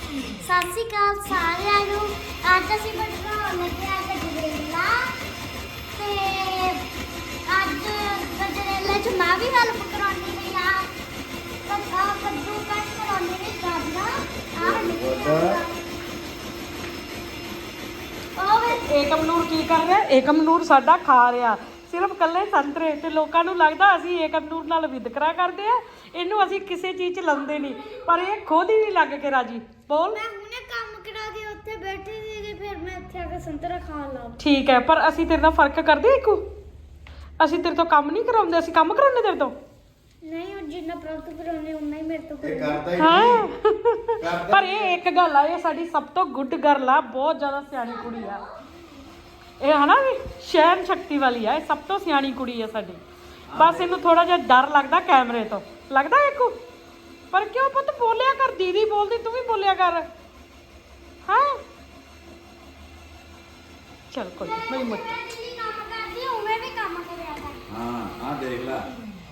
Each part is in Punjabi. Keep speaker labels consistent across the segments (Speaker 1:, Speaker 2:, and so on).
Speaker 1: ਸਤਿ ਸ਼੍ਰੀ ਅਕਾਲ ਸਾਰਿਆਂ ਨੂੰ। ਅੱਜ ਅਸੀਂ ਬਣਾਉਣ ਲੱਗੇ ਆ ਗਜਰੇਲਾ ਤੇ ਅੱਜ ਗਜਰੇਲੇ ਚ ਮੈਂ ਵੀ ਹੈਲਪ ਕਰਾਉਣੀ ਨਹੀਂ ਆ ਕੱਦੂ ਕੱਟ ਕਰਾਉਣੀ ਨਹੀਂ ਕਰਨਾ
Speaker 2: ਏਕਮ ਨੂਰ ਕੀ ਕਰ ਰਿਹਾ? ਏਕਮ ਨੂਰ ਸਾਡਾ ਖਾ ਰਿਹਾ ਸਿਰਫ ਕੱਲੇ ਸੰਤਰੇ ਤੇ ਲੋਕਾਂ ਨੂੰ ਲੱਗਦਾ ਅਸੀਂ ਏਕਮ ਨੂਰ ਨਾਲ ਵਿਤਕਰਾ ਕਰਦੇ ਆ। ਇਹਨੂੰ ਅਸੀਂ ਕਿਸੇ ਚੀਜ਼ 'ਚ ਲਾਉਂਦੇ ਨਹੀਂ, ਪਰ ਇਹ ਖੁਦ ਹੀ ਲੱਗ ਕੇ ਰਾਜੀ। ਬੋਲ।
Speaker 1: ਮੈਂ ਹੁਣੇ ਕੰਮ ਕਰਾ ਕੇ ਉੱਥੇ ਬੈਠੀ ਸੀ ਤੇ ਫਿਰ ਮੈਂ ਇੱਥੇ ਆ ਕੇ ਸੰਤਰਾ ਖਾਣ ਲੱਗ ਪਈ।
Speaker 2: ਠੀਕ ਹੈ, ਪਰ ਅਸੀਂ ਤੇਰੇ ਨਾਲ ਫਰਕ ਕਰਦੇ ਇੱਕੋ। ਅਸੀਂ ਤੇਰੇ ਤੋਂ ਕੰਮ ਨਹੀਂ ਕਰਾਉਂਦੇ, ਅਸੀਂ ਕੰਮ ਕਰਾਉਂਦੇ ਤੇਰੇ ਤੋਂ।
Speaker 1: ਨਹੀਂ ਉਹ ਜਿੰਨਾ ਪ੍ਰਾਪਤ ਕਰਾਉਣੇ ਉਨਾ ਹੀ ਮੇਰੇ ਤੋਂ
Speaker 3: ਇਹ ਕਰਦਾ ਹੀ
Speaker 2: ਹਾਂ
Speaker 3: ਨਹੀਂ।
Speaker 2: ਪਰ ਇਹ ਇੱਕ ਗੱਲ ਆ, ਇਹ ਸਾਡੀ ਸਭ ਤੋਂ ਗੁੱਡ ਗਰਲ ਆ, ਬਹੁਤ ਜ਼ਿਆਦਾ ਸਿਆਣੀ ਕੁੜੀ ਆ ਇਹ, ਹਨਾ ਵੀ ਸ਼ਹਿਰ ਸ਼ਕਤੀ ਵਾਲੀ ਆ, ਇਹ ਸਭ ਤੋਂ ਸਿਆਣੀ ਕੁੜੀ ਆ ਸਾਡੀ। ਬਸ ਇਹਨੂੰ ਥੋੜਾ ਜਿਹਾ ਡਰ ਲੱਗਦਾ ਕੈਮਰੇ ਤੋਂ, ਲੱਗਦਾ ਇੱਕੋ। ਪਰ ਕਿਉਂ ਪੁੱਤ ਬੋਲਿਆ ਕਰ, ਦੀਦੀ ਬੋਲਦੀ ਤੂੰ ਵੀ ਬੋਲਿਆ ਕਰ। ਹਾਂ ਚਲ ਕੋਈ ਨਹੀਂ ਮੁੱਤ
Speaker 1: ਕੰਮ ਕਰਦੀ ਉਵੇਂ ਵੀ ਕੰਮ ਕਰਿਆ ਕਰ।
Speaker 3: ਹਾਂ ਆ ਦੇਖ ਲੈ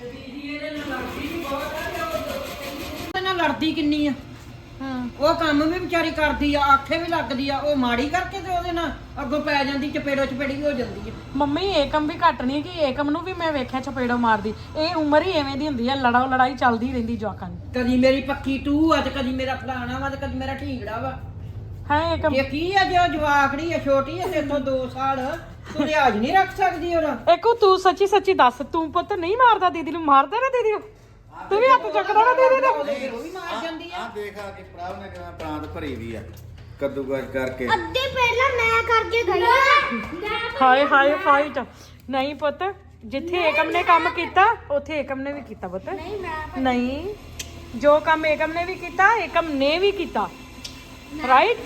Speaker 4: ਨਾਲ ਲੜਦੀ ਕਿੰਨੀ ਆ।
Speaker 2: ਹਾਂ
Speaker 4: ਉਹ ਕੰਮ ਵੀ ਵਿਚਾਰੀ ਕਰਦੀ ਆ, ਆਖੇ ਵੀ ਲੱਗਦੀ ਆ, ਉਹ ਮਾੜੀ ਕਰਕੇ ਤੇ ਉਹਦੇ ਨਾਲ ਅੱਗੋਂ ਪੈ ਜਾਂਦੀ, ਚਪੇੜੋ ਚਪੇੜੀ ਹੋ ਜਾਂਦੀ ਆ।
Speaker 2: ਮੰਮੀ ਏਕਮ ਵੀ ਘੱਟ ਨਹੀਂ ਕਿ ਏਕਮ ਨੂੰ ਵੀ ਮੈਂ ਵੇਖਿਆ ਚਪੇੜੋ ਮਾਰਦੀ। ਇਹ ਉਮਰ ਹੀ ਐਵੇਂ ਦੀ ਹੁੰਦੀ ਆ, ਲੜਾਈ ਚੱਲਦੀ ਰਹਿੰਦੀ ਜਵਾਕਾਂ ਦੀ।
Speaker 4: ਕਦੀ ਮੇਰੀ ਪੱਕੀ ਟੂ ਆ ਤੇ ਕਦੀ ਮੇਰਾ ਫਲਾਣਾ ਵਾ ਤੇ ਕਦੀ ਮੇਰਾ ਢੀਂਗੜਾ ਵਾ।
Speaker 2: ਹੈ ਏਕਮ
Speaker 4: ਇਹ ਕੀ ਆ ਜੋ ਜਵਾਕੜੀ ਆ, ਛੋਟੀ ਆ, ਤੇ ਤੋਂ 2 ਸਾਲ ਤੂੰ ਲਿਹਾਜ਼ ਨਹੀਂ ਰੱਖ ਸਕਦੀ ਉਹਦਾ।
Speaker 2: ਏਕੋ ਤੂੰ ਸੱਚੀ ਸੱਚੀ ਦੱਸ, ਤੂੰ ਪੁੱਤ ਨਹੀਂ ਮਾਰਦਾ ਦੀਦੀ ਨੂੰ? ਮਾਰਦਾ ਨਾ ਦੀਦੀ ਨੂੰ? ਤੂੰ ਵੀ ਹੱਥ ਚੱਕਦਾ ਨਾ ਦੀਦੀ ਦਾ?
Speaker 4: ਉਹ ਵੀ ਮਾਰ ਜਾਂਦੀ ਆ।
Speaker 3: ਆ ਦੇਖ ਆ ਕਿ ਪ੍ਰਾਭ ਨੇ ਕਿਵੇਂ ਪ੍ਰਾਂਤ ਭਰੀ ਵੀ ਆ ਕੱਦੂਕਸ ਕਰਕੇ।
Speaker 1: ਅੱਧੇ ਪਹਿਲਾਂ ਮੈਂ ਕਰਕੇ ਗਈ ਆ।
Speaker 2: ਹਾਏ ਹਾਏ ਫਾਈਟ ਨਹੀਂ ਪੁੱਤ, ਜਿੱਥੇ ਏਕਮ ਨੇ ਕੰਮ ਕੀਤਾ ਉੱਥੇ ਏਕਮ ਨੇ ਵੀ ਕੀਤਾ ਪੁੱਤ।
Speaker 1: ਨਹੀਂ ਮੈਂ
Speaker 2: ਨਹੀਂ, ਜੋ ਕੰਮ ਏਕਮ ਨੇ ਵੀ ਕੀਤਾ ਏਕਮ ਨੇ ਵੀ ਕੀਤਾ, ਰਾਈਟ?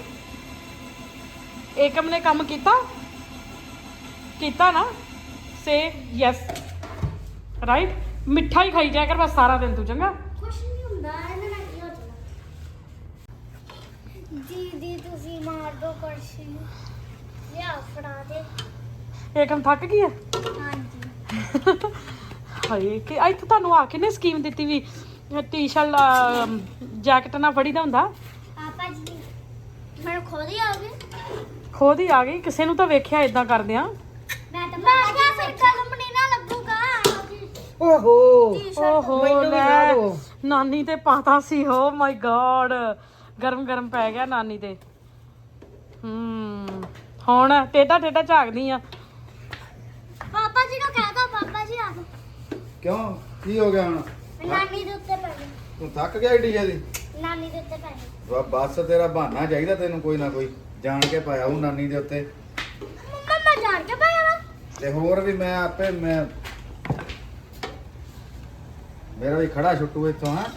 Speaker 2: ਏਕਮ ਨੇ ਕੰਮ ਕੀਤਾ ਨਾ, ਸੇ ਯੈਸ, ਰਾਈਟ? ਮਿੱਠਾ ਹੀ ਖਾਈ ਜਾਇਆ ਕਰ ਬਸ ਸਾਰਾ ਦਿਨ ਤੂੰ, ਚੰਗਾ?
Speaker 1: ਕੁਛ ਨਹੀਂ ਹੁੰਦਾ ਇਹਦੇ ਨਾਲ ਕੀ ਹੋ ਜਾਣਾ। ਦੀਦੀ ਤੁਸੀਂ ਮਾਰ ਦੋ ਕੁਰਸੀ ਨੂੰ, ਲਿਆ ਫੜਾ ਦੇ।
Speaker 2: ਏਕਮ ਥੱਕ ਗਈ ਹੈ।
Speaker 1: ਹਾਂਜੀ
Speaker 2: ਹਾਏ ਕਿ ਇੱਥੇ ਤੁਹਾਨੂੰ ਆ ਕੇ ਨੇ ਸਕੀਮ ਦਿੱਤੀ ਵੀ ਟੀ-ਸ਼ਰਟ ਜੈਕਟ ਨਾਲ ਫੜੀ ਦਾ ਹੁੰਦਾ।
Speaker 1: ਪਾਪਾ ਜੀ ਮੈਨੂੰ ਖੁਦ ਹੀ ਆਓਗੇ?
Speaker 2: ਖੁਦ ਹੀ ਆ ਗਈ, ਕਿਸੇ ਨੂੰ ਤਾਂ ਵੇਖਿਆ ਇਦਾਂ ਕਰਦੇ ਆ।
Speaker 1: ਮੈਂ ਕਿਹਾ ਫਿਰ ਕੰਪਨੀ ਨਾ ਲੱਗੂਗਾ।
Speaker 4: ਓਹੋ
Speaker 2: ਓਹੋ
Speaker 4: ਮੈਨੂੰ ਵੀ
Speaker 2: ਲੈ,
Speaker 4: ਲਾ ਦਿਓ।
Speaker 2: ਨਾਨੀ ਤੇ ਪਾਤਾ ਸੀ। ਓ ਮਾਈ ਗॉड, ਗਰਮ ਪੈ ਗਿਆ ਨਾਨੀ ਤੇ। ਹੁਣ ਟੇਡਾ ਝਾਕਦੀ ਆ।
Speaker 1: ਪਾਪਾ ਜੀ ਨੂੰ ਕਹਿ ਦੋ, ਪਾਪਾ ਜੀ ਆ ਜਾਓ।
Speaker 3: ਕਿਉਂ ਕੀ ਹੋ ਗਿਆ ਹੁਣ?
Speaker 1: ਨਾਨੀ ਦੇ ਉੱਤੇ ਪੈ ਗਈ।
Speaker 3: ਤੂੰ ਥੱਕ ਗਿਆ ਏਡੀ ਜਲਦੀ?
Speaker 1: ਨਾਨੀ ਦੇ ਉੱਤੇ ਪੈ ਗਈ।
Speaker 3: ਬਸ ਤੇਰਾ ਬਹਾਨਾ ਚਾਹੀਦਾ ਤੈਨੂੰ, ਕੋਈ ਨਾ ਕੋਈ ਜਾਣ ਕੇ ਪਾਇਆ ਉਹ ਨਾਨੀ ਦੇ ਉੱਤੇ।
Speaker 1: ਮੰਮਾ ਮੈਂ ਜਾਣ ਕੇ ਪਾਇਆ ਵਾ।
Speaker 3: ਤੇ ਹੋਰ ਵੀ ਮੈਂ ਆਪੇ ਮੇਰਾ ਵੀ ਖੜਾ ਛੁੱਟੂ ਇੱਥੋਂ। ਹਾਂ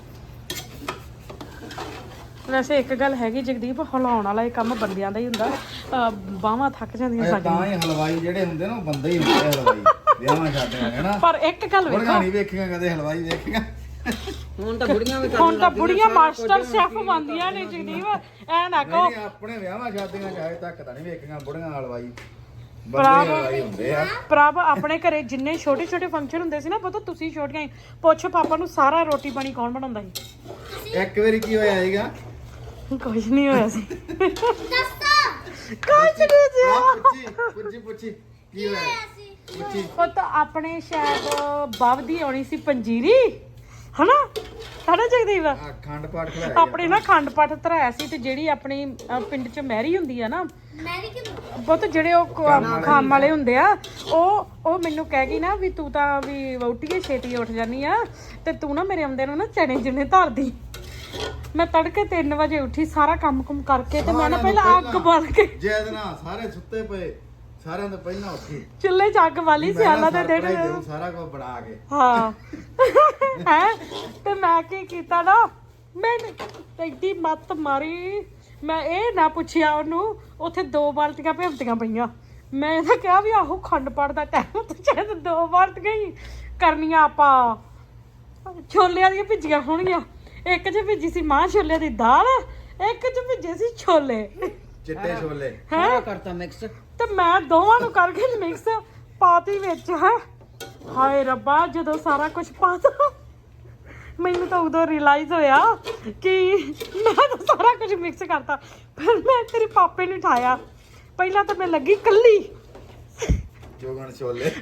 Speaker 2: ਵੈਸੇ ਇੱਕ ਗੱਲ ਹੈਗੀ ਜਗਦੀਪ, ਹਿਲਾਉਣ ਵਾਲਾ ਇਹ ਕੰਮ ਬੰਦਿਆਂ ਦਾ ਹੀ ਹੁੰਦਾ। ਬਾਹਾਂ ਥੱਕ ਜਾਂਦੀਆਂ
Speaker 3: ਇਹ ਤਾਂ
Speaker 2: ਸਾਡੀਆਂ।
Speaker 3: ਹੀ ਹਲਵਾਈ ਜਿਹੜੇ ਹੁੰਦੇ ਨਾ ਉਹ ਬੰਦੇ ਹੀ ਹੁੰਦੇ ਆ ਹਲਵਾਈ, ਵਿਆਹਾਂ ਸ਼ਾਦੀਆਂ ਹੈ ਨਾ।
Speaker 2: ਪਰ ਇੱਕ ਗੱਲ
Speaker 3: ਬੁੜੀਆਂ
Speaker 2: ਵੇਖੋ,
Speaker 3: ਨਹੀਂ ਵੇਖੀਆਂ ਕਦੇ ਹਲਵਾਈ ਵੇਖੀਆਂ।
Speaker 4: ਹੁਣ ਤਾਂ ਬੁੜੀਆਂ ਵੀ
Speaker 2: ਹੁਣ ਤਾਂ ਬੁੜੀਆਂ ਮਾਸਟਰ ਸ਼ੈਫ ਬਣਦੀਆਂ ਨੇ ਜਗਦੀਪ, ਐ ਨਾ ਕਹੋ।
Speaker 3: ਨਹੀਂ ਆਪਣੇ ਵਿਆਹਾਂ ਸ਼ਾਦੀਆਂ ਚ ਅਜੇ ਤੱਕ ਤਾਂ ਨਹੀਂ ਵੇਖੀਆਂ ਬੁੜੀਆਂ ਹਲਵਾਈ, ਬੰਦੇ ਹੀ ਹਲਵਾਈ ਹੁੰਦੇ ਆ।
Speaker 2: ਪ੍ਰਭ ਆਪਣੇ ਘਰੇ ਜਿੰਨੇ ਛੋਟੇ ਫੰਕਸ਼ਨ ਹੁੰਦੇ ਸੀ ਨਾ, ਪਤਾ ਤੁਸੀਂ ਛੋਟੀਆਂ ਹੀ ਪੁੱਛ ਪਾਪਾ ਨੂੰ ਸਾਰਾ ਰੋਟੀ ਪਾਣੀ ਕੌਣ ਬਣਾਉਂਦਾ ਸੀ?
Speaker 3: ਇੱਕ ਵਾਰੀ ਕੀ ਹੋਇਆ ਸੀਗਾ?
Speaker 2: ਕੁਝ ਨਹੀਂ ਹੋਇਆ ਸੀ।
Speaker 1: ਦੱਸੋ
Speaker 2: ਕੁਝ ਨਹੀਂ ਜੀ।
Speaker 3: ਪੁੱਛੀ ਕੀ ਹੋਇਆ? ਪੁੱਛੀ।
Speaker 2: ਪੁੱਤ ਆਪਣੇ ਸ਼ਾਇਦ ਬਾਬ ਦੀ ਆਉਣੀ ਸੀ ਪੰਜੀਰੀ, ਹਨਾ ਜਗਦੀਪ?
Speaker 3: ਖੰਡ ਪਾਠ ਖਲਾਇਆ
Speaker 2: ਆਪਣੇ ਨਾ ਖੰਡ ਪਾਠ ਧਰਾਇਆ ਸੀ, ਤੇ ਜਿਹੜੀ ਆਪਣੀ ਪਿੰਡ ਚ ਮਹਿਰੀ ਹੁੰਦੀ ਆ ਨਾ,
Speaker 1: ਮੈਂ ਵੀ ਕਿਉਂ
Speaker 2: ਪੁੱਤ ਜਿਹੜੇ ਉਹ ਖਾਮ ਵਾਲੇ ਹੁੰਦੇ ਆ, ਉਹ ਮੈਨੂੰ ਕਹਿ ਗਈ ਨਾ ਵੀ ਤੂੰ ਤਾਂ ਵੀ ਵਹੁਟੀਏ ਛੇਤੀ ਉੱਠ ਜਾਨੀ ਆ, ਤੇ ਤੂੰ ਨਾ ਮੇਰੇ ਆਉਂਦੇ ਨੂੰ ਨਾ ਚਣੇ ਜਿੰਨੇ ਧਰਦੀ। ਮੈਂ ਤੜਕੇ 3 ਵਜੇ ਉੱਠੀ, ਸਾਰਾ ਕੰਮ ਕਰਕੇ ਤੇ ਮੈਂ ਨਾ ਪਹਿਲਾਂ ਅੱਗ ਬਾਲ ਕੇ,
Speaker 3: ਜੈਦ ਨਾਲ ਸਾਰੇ ਸੁੱਤੇ ਪਏ, ਸਾਰਿਆਂ ਤੋਂ ਪਹਿਲਾਂ ਉੱਠੀ
Speaker 2: ਚੁੱਲ੍ਹੇ 'ਚ ਅੱਗ ਬਾਲੀ, ਸਿਆਲਾਂ ਦੇ ਦਿਨ।
Speaker 3: ਸਾਰਾ ਕੁਝ ਬਣਾ ਕੇ।
Speaker 2: ਹਾਂ ਹੈ ਤੇ ਮੈਂ ਕੀ ਕੀਤਾ ਨਾ, ਮੈਂ ਐਡੀ ਮੱਤ ਮਾਰੀ, ਮੈਂ ਇਹ ਨਾ ਪੁੱਛਿਆ ਉਹਨੂੰ, ਉੱਥੇ 2 ਬਾਲਟੀਆਂ ਭਿਉਂਤੀਆਂ ਪਈਆਂ। ਮੈਂ ਤਾਂ ਕਿਹਾ ਵੀ ਆਹੋ ਖੰਡ ਪਾਠ ਦਾ ਟਾਈਮ, ਤੂੰ ਚਾਹੇ 2 ਬਾਲਟੀਆਂ ਹੀ ਕਰਨੀਆਂ। ਆਪਾਂ ਛੋਲਿਆਂ ਦੀਆਂ ਭਿੱਜੀਆਂ ਹੋਣਗੀਆਂ, ਇੱਕ 'ਚ ਭਿੱਜੀ ਸੀ ਮਾਂ ਛੋਲਿਆਂ ਦੀ ਦਾਲ, ਇੱਕ 'ਚ ਭਿੱਜੇ ਸੀ ਛੋਲੇ,
Speaker 3: ਚਿੱਟੇ ਛੋਲੇ।
Speaker 4: ਸਾਰਾ ਕਰਤਾ ਮਿਕਸ।
Speaker 2: ਤੇ ਮੈਂ ਦੋਵਾਂ ਨੂੰ ਕਰਕੇ ਮਿਕਸ ਪਾਤੀ ਵਿੱਚ। ਹੈ ਹਾਏ ਰੱਬਾ, ਜਦੋਂ ਸਾਰਾ ਕੁਝ ਪਾਤਾ ਮੈਨੂੰ ਤਾਂ ਉਦੋਂ ਰਿਅਲਾਈਜ਼ ਹੋਇਆ ਕਿ ਮੈਂ ਤਾਂ ਸਾਰਾ ਕੁਝ ਮਿਕਸ ਕਰਤਾ। ਫਿਰ ਮੈਂ ਤੇਰੇ ਪਾਪੇ ਨੂੰ ਉਠਾਇਆ। ਪਹਿਲਾਂ ਤਾਂ ਮੈਂ ਲੱਗੀ ਕੱਲੀ
Speaker 3: ਜੋਗਣ ਛੋਲੇ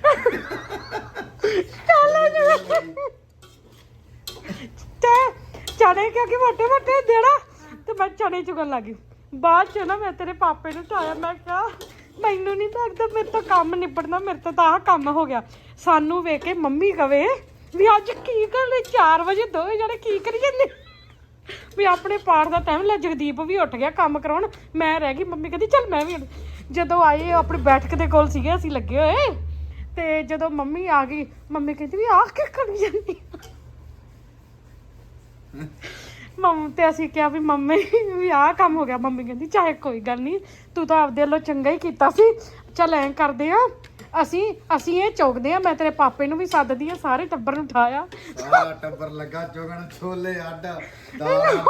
Speaker 2: ਤੇ ਚਣੇ ਕਿਉਂਕਿ ਮੋਟੇ ਮੋਟੇ ਦੇਣਾ ਤੇ ਮੈਂ ਚਣੇ ਚੁਗਣ ਲੱਗੀ। ਬਾਅਦ ਚ ਨਾ ਮੈਂ ਤੇਰੇ ਪਾਪੇ ਨੂੰ ਉਠਾਇਆ। ਮੈਂ ਕਿਹਾ ਮੈਨੂੰ ਨਹੀਂ ਲੱਗਦਾ ਮੇਰੇ ਤੋਂ ਕੰਮ ਨਿਬੜਨਾ, ਮੇਰੇ ਤੋਂ ਤਾਂ ਆਹ ਕੰਮ ਹੋ ਗਿਆ। ਸਾਨੂੰ ਵੇਖ ਕੇ ਮੰਮੀ ਕਵੇ ਵੀ ਅੱਜ ਕੀ ਕਰ ਲਈ 4 ਵਜੇ ਦੋਵੇਂ ਜਣੇ ਕੀ ਕਰੀ ਜਾਂਦੇ ਵੀ ਆਪਣੇ ਪਾਠ ਦਾ ਟਾਈਮ ਲੈ। ਜਗਦੀਪ ਵੀ ਉੱਠ ਗਿਆ ਕੰਮ ਕਰਾਉਣ, ਮੈਂ ਰਹਿ ਗਈ। ਮੰਮੀ ਕਹਿੰਦੀ ਚੱਲ ਮੈਂ ਵੀ ਜਦੋਂ ਆਏ ਆਪਣੀ ਬੈਠਕ ਦੇ ਕੋਲ ਸੀਗੇ ਅਸੀਂ ਲੱਗੇ ਹੋਏ ਤੇ ਜਦੋਂ ਮੰਮੀ ਆ ਗਈ ਮੰਮੀ ਕਹਿੰਦੀ ਵੀ ਆਹ ਕੀ ਕਰੀ ਜਾਂਦੀ ਮੰਮ ਤੇ ਅਸੀਂ ਕਿਹਾ ਵੀ ਮੰਮੀ ਵੀ ਆਹ ਕੰਮ ਹੋ ਗਿਆ। ਮੰਮੀ ਕਹਿੰਦੀ ਚਾਹੇ ਕੋਈ ਗੱਲ ਨਹੀਂ, ਤੂੰ ਤਾਂ ਆਪਦੇ ਵੱਲੋਂ ਚੰਗਾ ਹੀ ਕੀਤਾ ਸੀ। ਚੱਲ ਐਂ ਕਰਦੇ ਆ ਅਸੀਂ ਇਹ ਚੌਕਦੇ ਆ। ਮੈਂ ਤੇਰੇ ਪਾਪੇ ਨੂੰ ਵੀ ਸੱਦਦੀ ਆ, ਸਾਰੇ ਟੱਬਰ ਨੂੰ ਉਠਾਇਆ।
Speaker 3: ਸਾਰਾ ਟੱਬਰ ਲੱਗਾ ਜੋਗਣ ਛੋਲੇ ਅੱਡ ਦਾਲ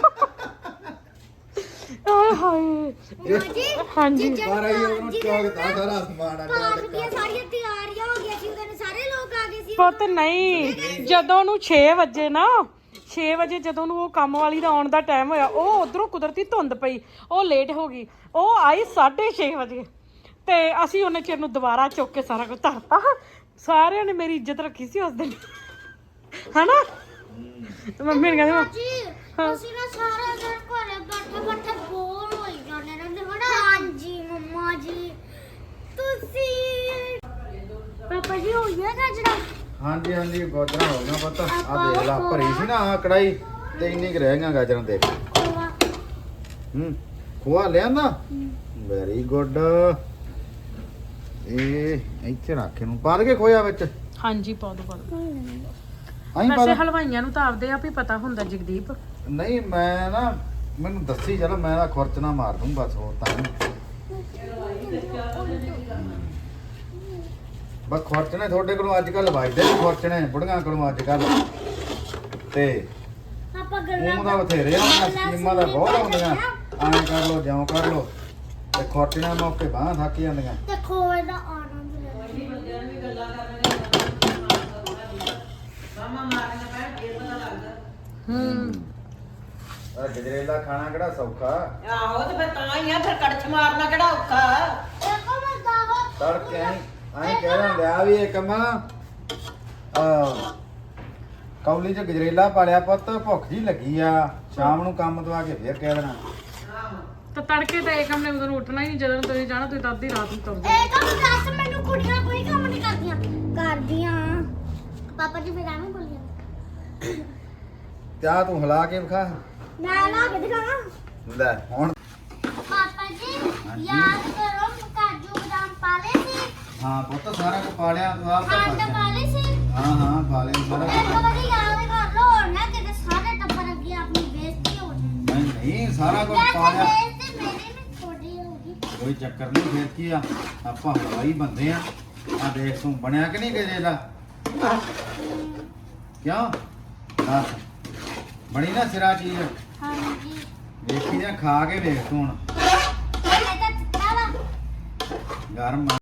Speaker 2: ਆਏ ਹਾਏ ਹਾਂਜੀ
Speaker 3: ਸਾਰਾ ਹੀ ਉਹਨੂੰ ਚੌਕਦਾ ਸਾਰਾ ਸਮਾਨ ਅੱਡ
Speaker 1: ਪਾਠ
Speaker 3: ਅੱਡ
Speaker 1: ਦੀਆਂ ਸਾਰੀਆਂ ਤਿਆਰੀਆਂ ਹੋ ਗਈਆਂ ਸੀ, ਉਹਦੇ ਸਾਰੇ ਲੋਕ ਆ ਗਏ ਸੀ।
Speaker 2: ਪੁੱਤ ਨਹੀਂ, ਜਦੋਂ ਨੂੰ 6 ਵਜੇ ਨਾ 6 ਵਜੇ ਜਦੋਂ ਨੂੰ ਉਹ ਕੰਮ ਵਾਲੀ ਦਾ ਆਉਣ ਦਾ ਟਾਈਮ ਹੋਇਆ, ਉਹ ਉਧਰੋਂ ਕੁਦਰਤੀ ਧੁੰਦ ਪਈ, ਉਹ ਲੇਟ ਹੋ ਗਈ। ਉਹ ਆਈ 6:30 ਵਜੇ ਤੇ ਅਸੀਂ ਉਹਨੇ ਚਿਰ ਨੂੰ ਦੁਬਾਰਾ ਚੁੱਕ ਕੇ ਸਾਰਾ ਕੁਝ ਧਰਤਾ। ਸਾਰਿਆਂ ਨੇ ਮੇਰੀ ਇੱਜ਼ਤ ਰੱਖੀ ਸੀ ਉਸ ਦਿਨ, ਹਨਾ? ਤੇ ਮੰਮੀ ਨੇ ਕਹਿੰਦੀ
Speaker 1: ਜੀ ਅਸੀਂ ਨਾ ਸਾਰਾ ਦਿਨ ਘਰੇ ਬੈਠੇ ਬੈਠੇ ਬੋਰ ਹੋਈ ਜਾਂਦੇ ਰਹਿੰਦੇ ਹਨਾ। ਹਾਂਜੀ ਮੰਮਾ ਜੀ ਤੁਸੀਂ ਪਾਪਾ ਜੀ ਹੋ ਗਿਆ ਗਾਜਰਾ।
Speaker 3: ਹਾਂਜੀ ਹਾਂਜੀ ਗਾਜਰਾਂ ਹੋ ਗਈਆਂ ਪੁੱਤ। ਆ ਦੇਖ ਲਾ ਭਰੀ ਸੀ ਨਾ ਆ ਕੜਾਈ ਤੇ ਇੰਨੀ ਕੁ ਰਹਿ ਗਈਆਂ ਗਾਜਰਾਂ ਦੇ। ਖੋਆ ਲਿਆਂਦਾ ਵੈਰੀ ਗੁੱਡ। ਇਹ ਇੱਥੇ ਰੱਖ ਇਹਨੂੰ ਪਾ ਦੇ ਖੋਇਆ ਵਿੱਚ।
Speaker 2: ਹਾਂਜੀ ਪਾ ਦੋ
Speaker 3: ਆਈ ਪਾ
Speaker 2: ਵੈਸੇ
Speaker 3: ਦੇ।
Speaker 2: ਹਲਵਾਈਆਂ ਨੂੰ ਤਾਂ ਆਪਦੇ ਆਪ ਹੀ ਪਤਾ ਹੁੰਦਾ ਜਗਦੀਪ।
Speaker 3: ਨਹੀਂ ਮੈਂ ਨਾ ਮੈਨੂੰ ਦੱਸੀ ਚਲੋ ਮੈਂ ਤਾਂ ਖੁਰਚ ਨਾ ਮਾਰ ਦੂੰ ਬਸ ਹੋਰ ਤਾਂ ਨਹੀਂ। ਬਸ ਖੁਰਚਣੇ ਤੁਹਾਡੇ ਕੋਲੋਂ ਅੱਜ ਕੱਲ ਵੱਜਦੇ ਨੇ ਖੁਰਚਣੇ ਬੁੜੀਆਂ ਕੋਲੋਂ ਅੱਜ ਕੱਲ ਤੇ
Speaker 1: ਆਪਾਂ ਗੱਲਾਂ
Speaker 3: ਉਹ ਦਾ ਬਥੇਰੇ ਆ ਸਕੀਮਾਂ ਦਾ ਬਹੁਤ ਆਉਂਦੀਆਂ। ਐਂ ਕਰ ਲੋ ਜਿਉਂ ਕਰ ਲੋ ਤੇ ਖੁਰਚਣੇ ਮੌਕੇ ਬਾਹਾਂ ਥੱਕ ਜਾਂਦੀਆਂ।
Speaker 1: ਤੇ ਖੋਏ ਦਾ ਆਨੰਦ ਲੈ। ਆ
Speaker 3: ਗਜਰੇਲਾ ਖਾਣਾ ਕਿਹੜਾ ਸੌਖਾ।
Speaker 4: ਆਹੋ ਤੇ ਫਿਰ ਤਾਂ ਹੀ ਆ, ਫਿਰ ਕੜਛ ਮਾਰਨਾ ਕਿਹੜਾ ਔਖਾ।
Speaker 1: ਦੇਖੋ ਮੈਂ ਦਾਵਾ
Speaker 3: ਤੜਕੇ ਐਂ ਕਹਿ ਦਿੰਦੇ ਆ ਵੀ ਇਹ ਕੰਮਾ ਕੌਲੀ ਚ ਗਜਰੇਲਾ ਪਾਲਿਆ ਪੁੱਤ ਭੁੱਖ ਜੀ ਲੱਗੀ ਆ ਸ਼ਾਮ ਨੂੰ ਕੰਮ ਤੋਂ ਆ ਕੇ ਫੇਰ ਕਹਿ ਦੇਣਾ।
Speaker 2: ਤਾਂ ਤੜਕੇ ਤਾਂ ਇਹ ਕੰਮ ਨੇ ਉਦੋਂ ਉੱਠਣਾ ਹੀ ਨਹੀਂ। ਜਦੋਂ ਤੁਸੀਂ ਜਾਣਾ ਤੁਸੀਂ ਤਾਂ ਅੱਧੀ ਰਾਤ ਨੂੰ ਤੁਰ
Speaker 1: ਇਹ ਕੰਮ ਦੱਸ ਮੈਨੂੰ ਕੁੜੀਆਂ ਕੋਈ ਕੰਮ ਨਹੀਂ ਕਰਦੀਆਂ। ਕਰਦੀਆਂ ਪਾਪਾ ਜੀ ਫਿਰ ਐਵੇਂ ਬੋਲੀਆਂ।
Speaker 3: ਚਾਹ ਤੂੰ ਹਿਲਾ ਕੇ ਵਿਖਾ।
Speaker 1: ਮੈਂ ਲਾ ਕੇ ਦਿਖਾਵਾਂ।
Speaker 3: ਲੈ ਹੁਣ
Speaker 1: ਪਾਪਾ ਜੀ ਯਾਦ ਕਰੋ ਕਾਜੂ ਬਦਾਮ ਪਾ ਲਏ ਸੀ।
Speaker 3: ਹਾਂ ਪੁੱਤ ਸਾਰਾ ਕੁਝ ਪਾ ਲਿਆ ਤੂੰ ਆਪ ਤਾਂ
Speaker 1: ਖੰਡ
Speaker 3: ਪਾ
Speaker 1: ਪਾ ਲਈ ਸੀ।
Speaker 3: ਹਾਂ ਪਾ ਲਿਆ ਸਾਰਾ
Speaker 1: ਇੱਕ
Speaker 3: ਕੁਝ।
Speaker 1: ਵਾਰੀ ਯਾਦ ਕਰ ਲਓ ਹੋਰ ਨਾ ਕਿਤੇ ਸਾਰੇ ਟੱਬਰ ਅੱਗੇ ਆਪਣੀ ਬੇਇੱਜ਼ਤੀ ਹੋ ਜਾਏ।
Speaker 3: ਨਹੀਂ ਸਾਰਾ ਕੁਝ
Speaker 1: ਯਾਰ
Speaker 3: ਪਾ
Speaker 1: ਤੇ
Speaker 3: ਲਿਆ।
Speaker 1: ਬੇਇੱਜ਼ਤੀ ਮੇਰੀ ਵੀ ਥੋੜੀ ਹੋਗੀ।
Speaker 3: ਕੋਈ ਚੱਕਰ ਨਹੀਂ ਫੇਰ ਕੀ ਆ ਆਪਾਂ ਹਲਵਾਈ ਬੰਦੇ ਆ। ਆ ਦੇਖ ਤੂੰ ਬਣਿਆ ਕਿ ਨਹੀਂ ਗਜਰੇਲਾ ਕਿਉਂ ਦੱਸ ਬਣੀ ਨਾ ਸਿਰਾ ਚੀਜ਼।
Speaker 1: ਹਾਂਜੀ
Speaker 3: ਵੇਖੀ ਜਾਂ ਖਾ ਕੇ ਵੇਖ ਤੂੰ ਹੁਣ
Speaker 1: ਇਹ ਤਾਂ ਚਿੱਟਾ ਵਾ।
Speaker 3: ਗਰਮ ਆ।